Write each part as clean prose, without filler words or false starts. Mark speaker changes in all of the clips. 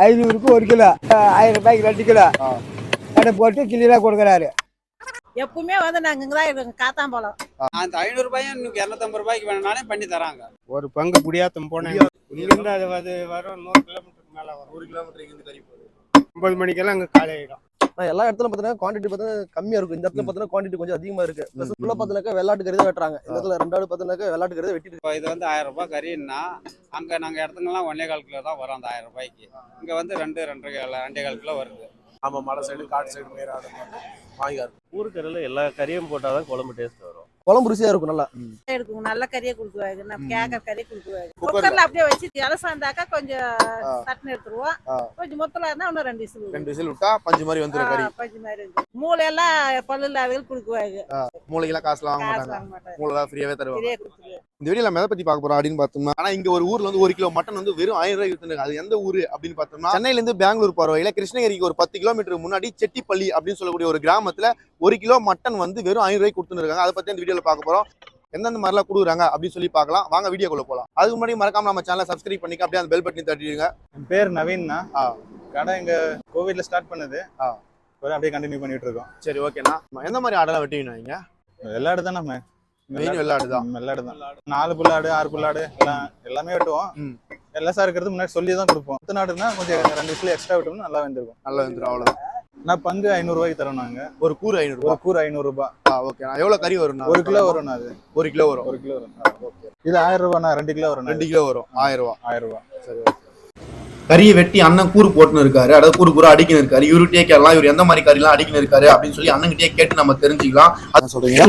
Speaker 1: 500க்கு 1 kilo, 1000 ரூபாய்க்கு 2 kilo கடை போட்டு கிளியராக கொடுக்குறாரு.
Speaker 2: எப்பவுமே வந்து நாங்கள் இங்கே தான் இருக்கோங்க, காத்தாம்பழம்.
Speaker 3: அந்த 500 ரூபாயும் 250 ரூபாய்க்கு வேணும்னாலே பண்ணி தராங்க.
Speaker 4: ஒரு பங்கு குடியாத்தம் போனேன். இங்கிருந்து அது வரும் 100 கிலோமீட்டருக்கு மேலே வரும்.
Speaker 3: 1 கிலோமீட்டர் இங்கிருந்து கறி போகுது.
Speaker 4: 9 மணிக்கெல்லாம் அங்கே காலை ஆகிடும்.
Speaker 5: எல்லா இடத்துல பார்த்தீங்கன்னா குவான்டிட்டி பார்த்தீங்கன்னா கம்மியாக இருக்கும். இந்த இடத்துல பார்த்தீங்கன்னா குவான்டிட்டி கொஞ்சம் அதிகமாக இருக்கு. ப்ளஸ் ஃபுல்லாக பார்த்தீங்கன்னா வெள்ளாட்டு கறி தான் வெட்டுறாங்க. இந்த இடத்துல 2 பார்த்தீங்கன்னா வெள்ளாட்டு கறி தான் வெட்டிட்டு.
Speaker 3: இப்போ இது வந்து 1000 ரூபாய் கறின்னா அங்கே நாங்கள் இடத்துங்கலாம் 1.25 கிலோ தான் வரும். அந்த 1000 ரூபாய்க்கு இங்கே வந்து 2.5 கிலோ வருது.
Speaker 6: நம்ம மலை சைடு காட்டு சைடு மேலே ஆடு வாங்கிக்காரு.
Speaker 7: ஊருக்கறியில் எல்லா கறியும் போட்டால் தான் குழம்பு டேஸ்ட் வரும்.
Speaker 5: குழம்பு ருசியாக இருக்கும். நல்லா
Speaker 2: எடுக்கும், நல்ல கறியை கொடுக்குவாங்க. நம்ம கேட்கற கறியை கொடுக்குவாங்க. குக்கர்ல அப்படியே வச்சு இலசாந்தாக்கா கொஞ்சம் சட்னி எடுத்துருவோம். கொஞ்சம் மொத்தம் இருந்தா இன்னும் 2
Speaker 6: விசில் விட்டா பஞ்சு மாதிரி வந்துடும் கறி.
Speaker 2: பஞ்சு மாதிரி இருக்கும். மூளையெல்லாம் பல்லு இல்லாதவர்கள் கொடுக்குவாங்க.
Speaker 6: மூளைக்கெல்லாம் காசுலாம் வாங்க மாட்டாங்க. மூளை ஃப்ரீயாவே தருவாங்க.
Speaker 2: கொடுத்துருவாங்க.
Speaker 6: இந்த வீடியோ நம்ம எதை பத்தி பார்க்க போறோம் அப்படின்னு பார்த்தோம்னா, ஆனா இங்க ஒரு ஊர்ல வந்து 1 கிலோ மட்டன் வந்து வெறும் 1000 ரூபாய்க்கு வித்துறாங்க. அது எந்த ஊரு அப்படின்னு பார்த்தோம்னா, சென்னையில இருந்து பெங்களூர் போற வழியில கிருஷ்ணகிரிக்கு ஒரு 10 கிலோமீட்டர் முன்னாடி செட்டிப்பள்ளி அப்படின்னு சொல்லக்கூடிய ஒரு கிராமத்துல 1 கிலோ மட்டன் வந்து வெறும் 1000 ரூபாய்க்கு கொடுத்துட்டு இருக்காங்க. அதை பத்தி இந்த வீடியோல பார்க்க போறோம். எந்தெந்த மாதிரிலாம் கொடுக்குறாங்க அப்படின்னு சொல்லி பார்க்கலாம். வாங்க வீடியோக்குள்ள போகலாம். அதுக்கு முன்னாடி மறக்காம நம்ம சேனலை சப்ஸ்கிரைப் பண்ணிக்க, அப்படியே அந்த பெல் பட்டனை தட்டிடுங்க.
Speaker 8: என் பேர் நவீன்னா. கடை இங்க கோவிட்ல ஸ்டார்ட் பண்ணது. அப்படியே கண்டினியூ பண்ணிட்டு இருக்கோம்.
Speaker 6: சரி, ஓகேண்ணா. எந்த மாதிரி ஆடெல்லாம் வெட்டுவீங்க நீங்க?
Speaker 8: வெள்ளாடு தான். நம்ம
Speaker 6: வெள்ளாடு தான்.
Speaker 8: 4 புல்லாடு 6 புல்லாடு எல்லாமே வெட்டுவோம். எல்லாம் சார் இருக்கிறது முன்னாடி சொல்லி தான் கொடுப்போம். 10 நாடுனா கொஞ்சம் 2 விசில் எக்ஸ்ட்ரா விட்டோம்னா நல்லா வந்துருக்கும்.
Speaker 6: நல்லா வந்துடும். அவ்வளவுதான்.
Speaker 8: நான் பங்கு 500 ரூபாய்க்கு தரோம். நாங்க
Speaker 6: ஒரு கூறு 500 ரூபாய்.
Speaker 8: கூறு 500 ரூபாய்.
Speaker 6: ஓகே. எவ்வளவு கறி வரும்?
Speaker 8: 1 கிலோ வரும். அது
Speaker 6: 1 கிலோ வரும்.
Speaker 8: 1 கிலோ வரும். ஓகே. இது 1000 ரூபாய். 2 கிலோ வரும்.
Speaker 6: 2 கிலோ வரும். 1000 ரூபாய்.
Speaker 8: 1000 ரூபாய்.
Speaker 6: சரி, ஓகே. கறியை வெட்டி அண்ணன் கூறு போட்டுன்னு இருக்காரு. அதாவது கூறு அடிக்கணும் இருக்காரு. இவருகிட்டே கேட்கலாம் இவர் எந்த மாதிரி கறிலாம் அடிக்கணும் இருக்காரு அப்படின்னு சொல்லி அண்ணன்கிட்டே கேட்டு நம்ம தெரிஞ்சுக்கலாம். அதான் சொல்றீங்க.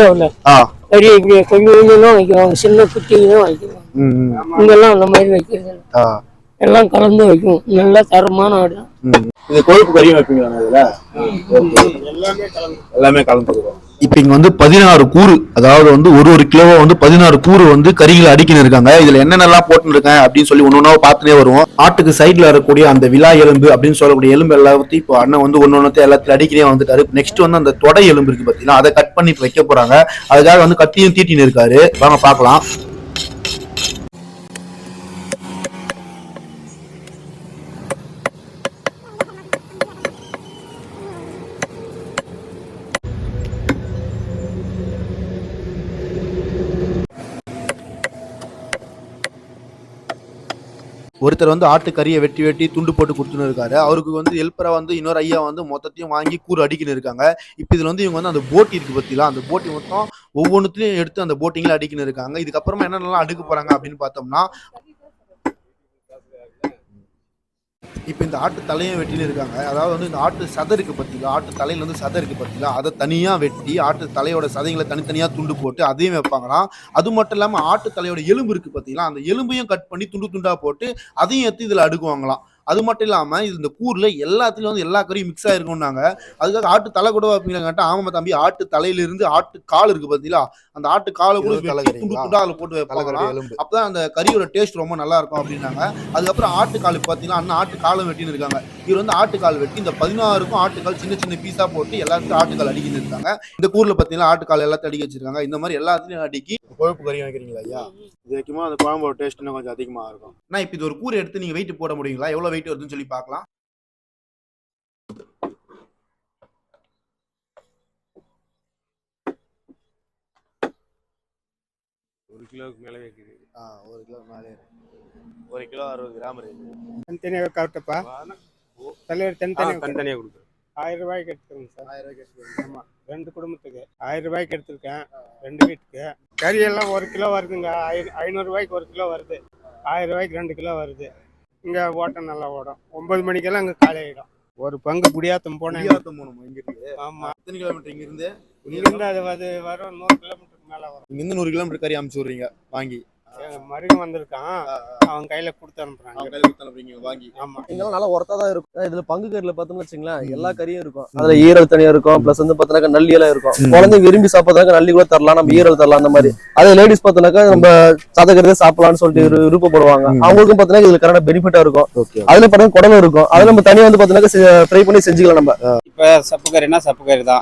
Speaker 1: கறி இப்படி கொஞ்சம் கொஞ்சம் வைக்கிறோம், சின்ன குட்டியும் வைக்கிறோம். இங்கெல்லாம் அந்த மாதிரி வைக்கிறது எல்லாம் கலந்து வைக்கும். நல்லா தரமான ஆடு.
Speaker 6: இது கொழுப்பு கறியும் வைப்பீங்களா? இதுல எல்லாமே கலந்துக்கிறோம். இப்ப இங்க வந்து 16 கூறு, அதாவது வந்து ஒரு கிலோவா வந்து 16 கூறு வந்து கறிகளை அடிக்கணும் இருக்காங்க. இதுல என்னென்னலாம் போட்டு இருக்கேன் அப்படின்னு சொல்லி ஒன்னொன்னா பார்த்துட்டே வருவோம். ஆட்டுக்கு சைட்ல இருக்கக்கூடிய அந்த விலா எலும்பு அப்படின்னு சொல்லக்கூடிய எலும்பு எல்லாத்தையும் இப்போ அண்ணன் வந்து ஒன்னொன்னத்தை எல்லாத்தையும் அடிக்கிறே வந்துட்டாரு. நெக்ஸ்ட் வந்து அந்த தொடை எலும்பு இருக்கு பாத்தீங்கன்னா, அதை கட் பண்ணி வைக்க போறாங்க. அதுக்காக வந்து கத்தியும் தீட்டின்னு இருக்காரு. வாங்க பாக்கலாம். ஒருத்தர் வந்து ஆட்டு கறியை வெட்டி வெட்டி துண்டு போட்டு கொடுத்துன்னு இருக்காரு. அவருக்கு வந்து ஹெல்ப்பரா வந்து இன்னொரு ஐயா வந்து மொத்தத்தையும் வாங்கி கூறு அடிக்கணும் இருக்காங்க. இப்போ இதுல வந்து இவங்க வந்து அந்த போட்டி இருக்கு பத்திலாம், அந்த போட்டி மொத்தம் ஒவ்வொன்றுத்தையும் எடுத்து அந்த போட்டிங்கள அடிக்கணும் இருக்காங்க. இதுக்கப்புறமா என்னென்னலாம் அடுக்க போறாங்க அப்படின்னு பார்த்தோம்னா, இப்போ இந்த ஆட்டு தலையும் வெட்டின்னு இருக்காங்க. அதாவது வந்து இந்த ஆட்டு சதை இருக்கு பத்திலாம், ஆட்டு தலையில வந்து சதை இருக்கு பத்திலாம், அதை தனியா வெட்டி ஆட்டு தலையோட சதைகளை தனித்தனியா துண்டு போட்டு அதையும் வைப்பாங்களாம். அது மட்டும் இல்லாம ஆட்டு தலையோட எலும்பு இருக்கு பத்திலாம், அந்த எலும்பையும் கட் பண்ணி துண்டு துண்டா போட்டு அதையும் எடுத்து இதுல அடுக்குவாங்களாம். அது மட்டும் இல்லாம இந்த கூர்ல எல்லாத்துலயும் வந்து எல்லா கறியும் மிக்ஸ் ஆயிருக்கும்னாங்க. அதுக்காக ஆட்டு தலை கூட வைப்பீங்களாட்டா? ஆமா தம்பி, ஆட்டு தலையில இருந்து ஆட்டு கால் இருக்கு பாத்தீங்களா, அந்த ஆட்டு காலை கூட துண்டு துண்டா அதுல போட்டு வைப்பாங்க. அப்பதான் அந்த கறியோட டேஸ்ட் ரொம்ப நல்லா இருக்கும் அப்படின்னாங்க. அதுக்கப்புறம் ஆட்டு கால் பாத்தீங்கன்னா அண்ணன் ஆட்டு காலம் வெட்டின்னு இருக்காங்க. இவர் வந்து ஆட்டுக்கால் வெட்டி இந்த 16க்கும் ஆட்டுக்கால் சின்ன சின்ன பீஸா போட்டு எல்லாத்துக்கும் ஆட்டுக்கால் அடிக்கிட்டு இருக்காங்க. இந்த கூர்ல பாத்தீங்கன்னா ஆட்டுக்கால் எல்லாத்தையும் அடிக்க வச்சிருக்காங்க. இந்த மாதிரி எல்லாத்துலயும் அடிக்கி கொழுப்பு கறி வைக்கிறீங்களா ஐயா? இது வைக்குமா அந்த குழம்போட டேஸ்ட் இன்னும் கொஞ்சம் அதிகமா இருக்கும். நான் இப்ப இது ஒரு கூரை எடுத்து நீங்க வெயிட் போட முடியுங்களா? எவ்வளவு வெயிட் வருதுன்னு சொல்லி பார்க்கலாம்.
Speaker 4: ஒரு கிலோவுக்கு மேலே வைக்குது.
Speaker 6: 1 கிலோ மேலே 1 கிலோ 60 கிராம் இருக்கு.
Speaker 4: தனித்தனியாக கரெக்டப்பா. தலைவர் தனித்தனியாக
Speaker 6: கொடுக்குறேன்.
Speaker 4: 1000 ரூபாய்க்கு எடுத்துக்கோங்க சார்.
Speaker 6: 1000 ரூபாய்க்கு எடுத்துக்கோங்க.
Speaker 4: ஆமாம், 2 குடும்பத்துக்கு 1000 ரூபாய்க்கு எடுத்துருக்கேன். 2 வீட்டுக்கு கறி எல்லாம் 1 கிலோ வருதுங்க. 500 ரூபாய்க்கு 1 கிலோ வருது. 1000 ரூபாய்க்கு 2 கிலோ வருது. இங்கே ஓட்டம் நல்லா ஓடும். 9 மணிக்கெல்லாம் அங்கே காலை ஆகிடும். ஒரு பங்கு குடியாத்தம் போனேன்.
Speaker 6: இங்க இருக்கு.
Speaker 4: ஆமாம்.
Speaker 6: எத்தனை கிலோமீட்டர் இங்க இருந்து?
Speaker 4: இங்கிருந்து அது வரும் 100 கிலோமீட்டருக்கு மேலே வரும்.
Speaker 6: இங்கிருந்து 100 கிலோமீட்டர் கறி அமுச்சு விடுறீங்க வாங்கி.
Speaker 4: மருகம் வந்திருக்கான், அவன் கையில கொடுத்து அனுப்புறாங்க.
Speaker 6: வாங்கி.
Speaker 4: ஆமா,
Speaker 5: இதெல்லாம் நல்லா ஒர்த்தா தான் இருக்கும். இதுல பங்கு கறியில பார்த்தோம்னு வச்சுங்களேன், எல்லா கறியும் இருக்கும். அதுல ஈரல் தனியா இருக்கும். பிளஸ் வந்து பாத்தீங்கன்னா நல்லி எல்லாம் இருக்கும். குழந்தைங்க விரும்பி சாப்பிட்றதுக்கு நல்லி கூட தரலாம், நம்ம ஈரல் தரலாம். அந்த மாதிரி அதே லேடிஸ் பார்த்தோம்னாக்கா நம்ம சதக்கிறதே சாப்பிடலாம்னு சொல்லிட்டு விருப்பப்படுவாங்க. அவங்களுக்கும் பாத்தீங்கன்னா இதுல கரெக்டா பெனிஃபிட்டா இருக்கும். அதுல பாத்தீங்கன்னா குடலும் இருக்கும். அதை நம்ம தனியா வந்து பாத்தீங்கன்னா ஃப்ரை பண்ணி செஞ்சுக்கலாம். நம்ம
Speaker 3: இப்ப சப்பு கறினா சப்பு கறி தான்.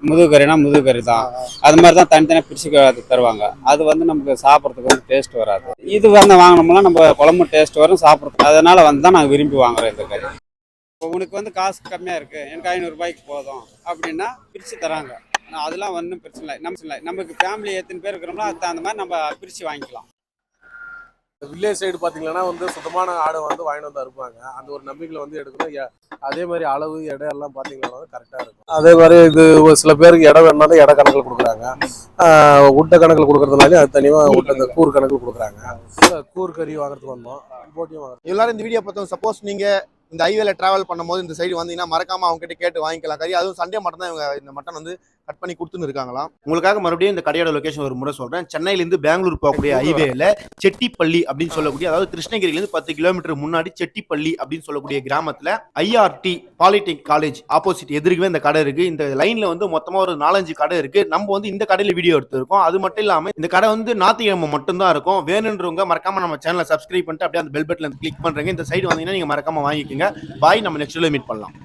Speaker 3: முதுகறினா முதுகறி தான். அது மாதிரி தான் தனித்தனியாக பிரித்து தருவாங்க. அது வந்து நமக்கு சாப்பிட்றதுக்கு வந்து டேஸ்ட் வராது. இது வந்து வாங்கினோம்னா நம்ம குழம்பு டேஸ்ட் வரும் சாப்பிட்றதுக்கு. அதனால வந்து தான் நாங்கள் விரும்பி வாங்குறோம் இந்த கறி. இப்போ உனக்கு வந்து காசு கம்மியாக இருக்குது, எனக்கு 500 ரூபாய்க்கு போதும் அப்படின்னா பிரித்து தராங்க. அதெல்லாம் ஒன்றும் பிரச்சனை இல்லை. நமக்கு ஃபேமிலி எத்தனை பேர் இருக்கிறோம்னா அதுக்கு தகுந்த மாதிரி நம்ம பிரித்து வாங்கிக்கலாம்.
Speaker 9: வில்லேஜ் சைடு பார்த்தீங்கன்னா வந்து சுத்தமான ஆடை வந்து வாங்கிட்டு வந்து அறுப்பாங்க. அந்த ஒரு நம்பிக்கையில் வந்து எடுக்கணும். அதே மாதிரி அளவு எடை எல்லாம் பார்த்தீங்கன்னா வந்து கரெக்டாக இருக்கும். அதே மாதிரி இது ஒரு சில பேருக்கு இடம் வேணும்னா இட கணக்கில் கொடுக்குறாங்க. உட்டை கணக்கில் கொடுக்குறதுனாலே அது தனியாக உட்டை கூறு கணக்கில் கொடுக்குறாங்க. கூறு கறி வாங்குறதுக்கு வந்தோம், போட்டியும் வாங்குறோம்.
Speaker 6: எல்லாரும் இந்த வீடியோ பார்த்தோம். சப்போஸ் நீங்கள் இந்த ஹைவேல டிராவல் பண்ணும்போது இந்த சைடு வந்தீங்கன்னா மறக்காம அவங்க கிட்ட கேட்டு வாங்கிக்கலாம் கறி. அதுவும் சண்டே மட்டும் தான் இவங்க இந்த மட்டன் வந்து கட் பண்ணி கொடுத்துன்னு இருக்காங்களாம். உங்களுக்காக மறுபடியும் இந்த கடையோட லொகேஷன் ஒரு முறை சொல்றேன். சென்னையிலேருந்து பெங்களூர் போகக்கூடிய ஹைவேல செட்டிப்பள்ளி அப்படின்னு சொல்லக்கூடிய, அதாவது கிருஷ்ணகிரியிலேருந்து 10 கிலோமீட்டர் முன்னாடி செட்டிப்பள்ளி அப்படின்னு சொல்லக்கூடிய கிராமத்துல IRT பாலிடெக்னிக் காலேஜ் ஆப்போசிட் எதிர்க்கவே இந்த கடை இருக்கு. இந்த லைன்ல வந்து மொத்தமா ஒரு 4-5 கடை இருக்கு. நம்ம வந்து இந்த கடையில வீடியோ எடுத்திருக்கோம். அது மட்டும் இல்லாம இந்த கடை வந்து ஞாயிற்றுக்கிழமை மட்டும்தான் இருக்கும். வேணுன்றவங்க மறக்காம நம்ம சேனலை சப்ஸ்கிரைப் பண்ணிட்டு அப்படியே அந்த பெல் பட்டன்ல கிளிக் பண்றீங்க. இந்த சைடு வந்தீங்கன்னா நீங்க மறக்காம வாங்கிக்கோங்க. பாய், நம்ம நெக்ஸ்ட் வீடியோல மீட் பண்ணலாம்.